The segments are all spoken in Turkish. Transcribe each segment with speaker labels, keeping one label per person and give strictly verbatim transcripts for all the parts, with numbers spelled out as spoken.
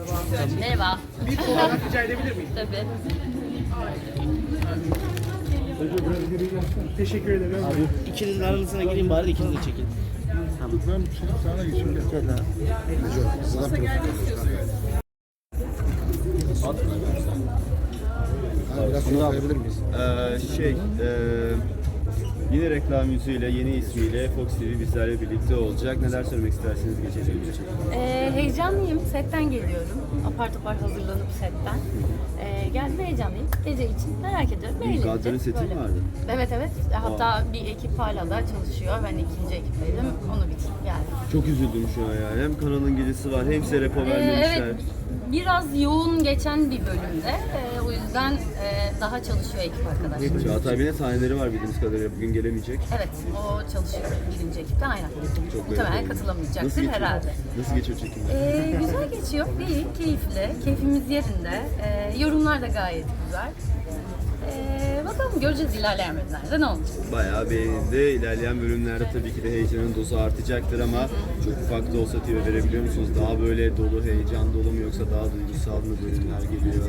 Speaker 1: Merhaba.
Speaker 2: Bir fotoğraf rica edebilir miyim?
Speaker 1: Tabii.
Speaker 2: Teşekkür ederim.
Speaker 3: Abi ikinizin arasına gireyim bari ikiniz de çekin. Tamam.
Speaker 4: Ben sana geçeyim.
Speaker 3: Gel abi.
Speaker 2: Nasıl gelmek istiyorsunuz?
Speaker 4: Biraz şunu alabilir miyiz?
Speaker 5: Ee, şey, e, yine reklam yüzüyle, yeni ismiyle Fox T V bizlerle birlikte olacak. Neler söylemek istersiniz geçeceğimiz için?
Speaker 1: Ee, heyecanlıyım. Setten geliyorum. Apar topar hazırlanıp setten. Ee, geldim heyecanlıyım. Gece için merak ediyorum.
Speaker 5: Bir
Speaker 1: Eğleneceğiz.
Speaker 5: Gaddar'ın seti
Speaker 1: Böyle.
Speaker 5: mi vardı?
Speaker 1: Evet evet. Hatta bir ekip hala da çalışıyor. Ben ikinci ekipteydim. Onu bitirip geldim.
Speaker 5: Çok üzüldüm şu an yani. Hem kanalın gecesi var hem size repo
Speaker 1: Ee,
Speaker 5: vermemişler.
Speaker 1: evet. Biraz yoğun geçen bir bölümde. Ee, o yüzden e, daha çalışıyor ekip arkadaşlar.
Speaker 5: Çağatay Bey'in sahneleri var bildiğimiz kadarıyla. Bugün gelemeyecek.
Speaker 1: Evet, o çalışıyor birinci ekipte aynen.
Speaker 5: Çok
Speaker 1: Muhtemelen
Speaker 5: merak ediyorum.
Speaker 1: katılamayacaktır
Speaker 5: Nasıl geçiyor?
Speaker 1: herhalde.
Speaker 5: Nasıl geçiyor çekimler?
Speaker 1: Ee, güzel geçiyor, iyi, keyifli, keyfimiz yerinde. Ee, yorumlar da gayet güzel. Ee, bakalım göreceğiz ilerleyen bölümlerde ne olacak.
Speaker 5: Bayağı beğenildi. İlerleyen bölümlerde tabii ki de heyecanın dozu artacaktır ama çok ufak da olsa tüyo verebiliyor musunuz? Daha böyle dolu, heyecan dolu mu yoksa daha duygusal mı bölümler geliyor?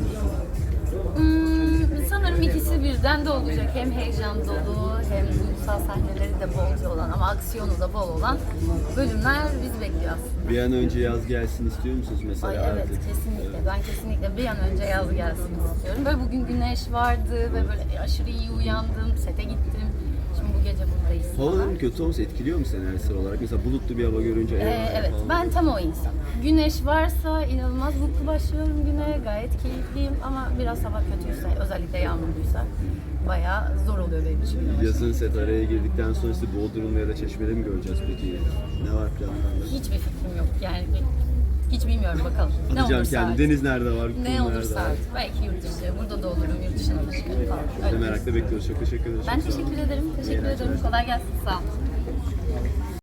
Speaker 1: Hmm, sanırım ikisi birden de olacak. Hem heyecan dolu hem duygusal sahneleri de bolca olan ama aksiyonu da bol olan bölümler bizi bekliyor aslında.
Speaker 5: Bir an önce yaz gelsin istiyor musunuz mesela?
Speaker 1: Ay evet
Speaker 5: artık?
Speaker 1: kesinlikle. Ben kesinlikle bir an önce yaz gelsin istiyorum. Böyle bugün güneş vardı ve böyle aşırı iyi uyandım. Sete gittim. Şimdi bu gece buradayız.
Speaker 5: Havaların kötü olması etkiliyor mu senaryosel olarak? Mesela bulutlu bir hava görünce
Speaker 1: Ee,
Speaker 5: eyvah
Speaker 1: evet
Speaker 5: falan.
Speaker 1: ben tam o insan. Güneş varsa inanılmaz mutlu başlıyorum güne. Gayet keyifliyim ama biraz hava kötüyse özellikle yağmurluysa bayağı zor oluyor benim için.
Speaker 5: Yazın set araya girdikten sonra sizi Bodrum'da ya da Çeşme'de mi göreceğiz peki? Ne var planlarda?
Speaker 1: Hiçbir fikrim yok yani hiç bilmiyorum bakalım. Ne
Speaker 5: Atacağım
Speaker 1: olursa
Speaker 5: kendi.
Speaker 1: artık.
Speaker 5: Deniz nerede var? kum
Speaker 1: Ne
Speaker 5: nerede
Speaker 1: olursa
Speaker 5: var?
Speaker 1: artık. Belki yurt dışı, burada da olurum, yurt dışına da çıkarım falan.
Speaker 5: Biz de
Speaker 1: Öyle.
Speaker 5: merakla bekliyoruz. Çok teşekkür ederiz.
Speaker 1: Ben
Speaker 5: Çok sağ olun.
Speaker 1: teşekkür ederim. Teşekkür ederim. Kolay gelsin. Sağ olun.